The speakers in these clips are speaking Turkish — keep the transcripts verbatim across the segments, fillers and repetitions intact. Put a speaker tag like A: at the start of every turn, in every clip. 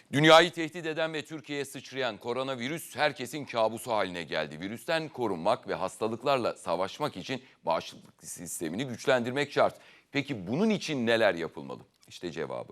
A: Dünyayı tehdit eden ve Türkiye'ye sıçrayan koronavirüs herkesin kabusu haline geldi. Virüsten korunmak ve hastalıklarla savaşmak için bağışıklık sistemini güçlendirmek şart. Peki bunun için neler yapılmalı? İşte cevabı.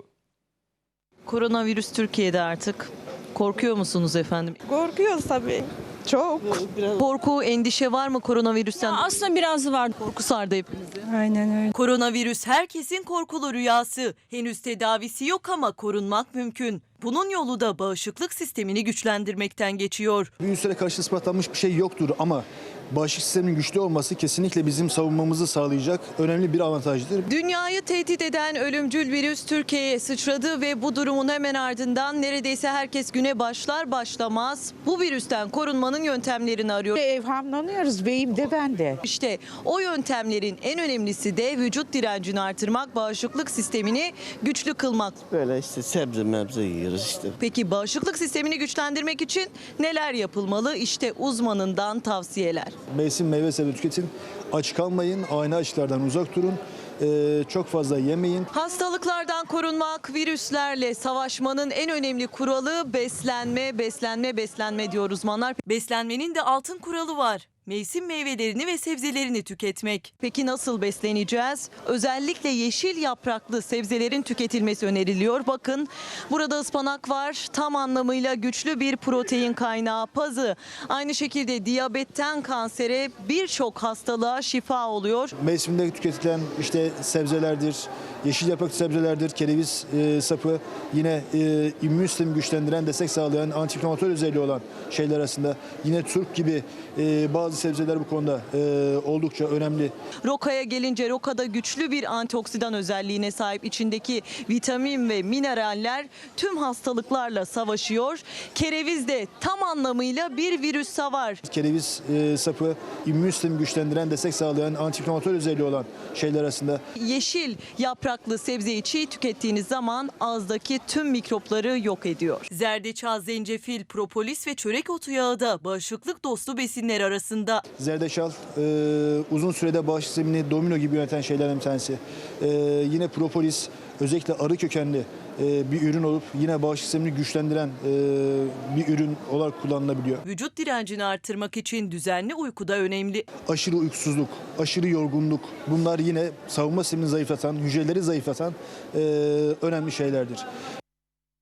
B: Koronavirüs Türkiye'de artık. Korkuyor musunuz efendim?
C: Korkuyoruz tabii. Çok.
B: Korku, endişe var mı koronavirüsten?
D: Aslında biraz var.
B: Korku sardı hepimizi.
C: Aynen öyle.
B: Koronavirüs herkesin korkulu rüyası. Henüz tedavisi yok ama korunmak mümkün. Bunun yolu da bağışıklık sistemini güçlendirmekten geçiyor.
E: Virüslere karşı ispatlanmış bir şey yoktur ama bağışıklık sisteminin güçlü olması kesinlikle bizim savunmamızı sağlayacak önemli bir avantajdır.
B: Dünyayı tehdit eden ölümcül virüs Türkiye'ye sıçradı ve bu durumun hemen ardından neredeyse herkes güne başlar başlamaz bu virüsten korunmanın yöntemlerini arıyor.
C: Evhamlanıyoruz beyim de ben de.
B: İşte o yöntemlerin en önemlisi de vücut direncini artırmak, bağışıklık sistemini güçlü kılmak.
F: Böyle işte sebze mebze yiyoruz işte.
B: Peki bağışıklık sistemini güçlendirmek için neler yapılmalı? İşte uzmanından tavsiyeler.
E: Mevsim meyve sebze tüketin, aç kalmayın, ani açlardan uzak durun, ee, çok fazla yemeyin.
B: Hastalıklardan korunmak, virüslerle savaşmanın en önemli kuralı beslenme, beslenme, beslenme diyor uzmanlar. Beslenmenin de altın kuralı var. Mevsim meyvelerini ve sebzelerini tüketmek. Peki nasıl besleneceğiz? Özellikle yeşil yapraklı sebzelerin tüketilmesi öneriliyor. Bakın burada ıspanak var. Tam anlamıyla güçlü bir protein kaynağı. Pazı aynı şekilde diyabetten kansere birçok hastalığa şifa oluyor.
E: Mevsimde tüketilen işte sebzelerdir, yeşil yapraklı sebzelerdir, kereviz e, sapı yine e, immün sistemi güçlendiren, destek sağlayan, antiinflamatör özelliği olan şeyler arasında. Yine turp gibi e, bazı sebzeler bu konuda e, oldukça önemli.
B: Rokaya gelince rokada güçlü bir antioksidan özelliğine sahip, içindeki vitamin ve mineraller tüm hastalıklarla savaşıyor. Kereviz de tam anlamıyla bir virüs savar.
E: Kereviz e, sapı immün sistemi güçlendiren, destek sağlayan, antiinflamatör özelliği olan şeyler arasında.
B: Yeşil yapraklı sebzeyi çiğ tükettiğiniz zaman ağızdaki tüm mikropları yok ediyor. Zerdeçal, zencefil, propolis ve çörek otu yağı da bağışıklık dostu besinler arasında.
E: Zerdeçal e, uzun sürede bağışıklık sistemini domino gibi yöneten şeylerden bir tanesi. E, yine propolis özellikle arı kökenli e, bir ürün olup yine bağışıklık sistemini güçlendiren e, bir ürün olarak kullanılabiliyor.
B: Vücut direncini artırmak için düzenli uyku da önemli.
E: Aşırı uykusuzluk, aşırı yorgunluk bunlar yine savunma sistemini zayıflatan, hücreleri zayıflatan e, önemli şeylerdir.